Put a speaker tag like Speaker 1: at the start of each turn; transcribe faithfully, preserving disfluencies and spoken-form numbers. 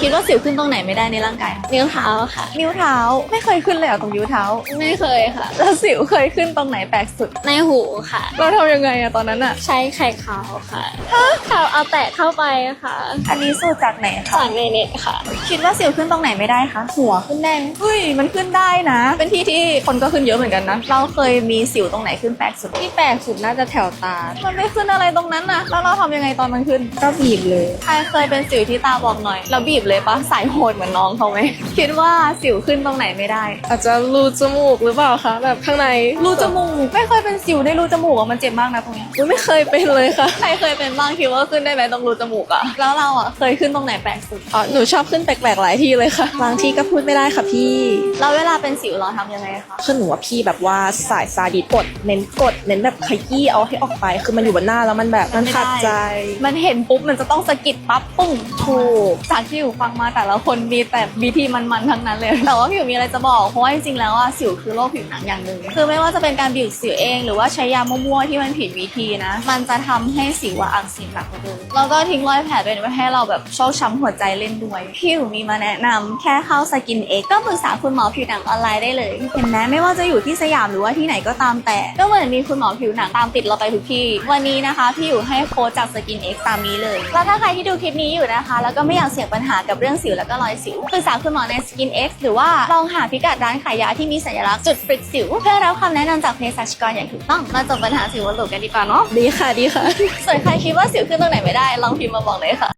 Speaker 1: คิดว่าสิวขึ้นตรงไหนไม่ได้ในร่างกายคะนิ้วเท้าค่ะ
Speaker 2: นิ้วเท้าไม่เคยขึ้นเลยเหรอตรงนิ้วเท้า
Speaker 1: ไม่เคยค่ะ
Speaker 2: แล้วสิวเคยขึ้นตรงไหนแปลกสุด
Speaker 1: ในหูค่ะ
Speaker 2: เราทำยังไงอะตอนนั้นอะ
Speaker 1: ใช้ไข่ขาวค่ะขาวเอาแตะเข้าไปค่ะ
Speaker 2: อันนี้สูตรจากไหนคะ
Speaker 1: จากในเน็ตค่ะ
Speaker 2: คิดว่าสิวขึ้นตรงไหนไม่ได้คะหัวขึ้นแดงเฮ้ยมันขึ้นได้นะเป็นที่ที่คนก็ขึ้นเยอะเหมือนกันนะเราเคยมีสิวตรงไหนขึ้นแปลกสุด
Speaker 1: ที่แปลกสุดน่าจะแถวตา
Speaker 2: มันไม่ขึ้นอะไรตรงนั้นนะแล้วเราทำยังไงตอนมันขึ้น
Speaker 1: ก็บีบเลย
Speaker 2: ใครเคยเป็นสิวที่ตาบอกหน่อยเราบีบเลยปะสายโหดเหมือนน้องเขาไหมคิดว่าสิวขึ้นตรงไหนไม่ได้
Speaker 1: อาจจะรูจมูกหรือเปล่าคะแบบข้างใน
Speaker 2: รูจมูกไม่เคยเป็นสิวในรูจมูกอะมันเจ็บมากนะตรงนี้
Speaker 1: ไม่เคยเป็นเลยค่ะ
Speaker 2: ใครเคยเป็นบ้างคิดว่าขึ้นได้ไหมตรงรูจมูกอะแล้วเราอะเคยขึ้นตรงไหนแปลกสุด
Speaker 1: อ๋อหนูชอบขึ้นแปลกๆหลายที่เลยค่ะบางที่ก็พูดไม่ได้ค่ะพี่
Speaker 2: แล้วเวลาเป็นสิวเราทำยังไงคะ
Speaker 3: คือหนูว่าพี่แบบว่าสายซาดิสกดเน้นกดเน้นแบบขยี้เอาให้ออกไปคือมันอยู่บนหน้าแล้วมันแบบมันขัดใจ
Speaker 2: มันเห็นปุ๊บมันจะต้องสะกิดปั๊บปุ้งถูกจากที่อยู่ฟังมาแต่ละคนมีแต่วิธีมันๆทั้งนั้นเลยแต่ว่าผิวมีอะไรจะบอกเพราะว่าจริงๆแล้วอะสิวคือโรคผิวหนังอย่างหนึ่งคือไม่ว่าจะเป็นการบีบสิวเองหรือว่าใช้ยามั่วๆที่มันผิดวิธีนะมันจะทำให้สิวอักเสบหนักกว่าเดิมแล้วก็ทิ้งรอยแผลเป็นไว้ให้เราแบบโชคช้ำหัวใจเล่นด้วยพี่อยู่มีมาแนะนำแค่เข้าสกินเอ็กก็ปรึกษาคุณหมอผิวหนังออนไลน์ได้เลยเห็นไหมไม่ว่าจะอยู่ที่สยามหรือว่าที่ไหนก็ตามแต่ก็เหมือนมีคุณหมอผิวหนังตามติดเราไปทุกที่วันนี้นะคะพี่อยู่ให้โค้ดจากสกินเอ็กตามนี้เลยแล้วถ้าใครที่ดูคลิปนี้อยู่นะคะแล้วก็ไม่อยากเสี่ยงปัญหากับเรื่องสิวแล้วก็รอยสิวปรึกษาคุณหมอใน Skin X หรือว่าลองหาพิกัดร้านขายยาที่มีสัญลักษณ์จุดฟริกสิวเพื่อรับคำแนะนำจากเภสัชกรอย่างถูกต้องมาจบปัญหาสิวบนหลูกันดีกว่าเนาะ
Speaker 1: ดีค่ะดีค่ะ
Speaker 2: ส่วนใครคิดว่าสิวขึ้นตรงไหนไม่ได้ลองพิมพ์มาบอกเลยค่ะ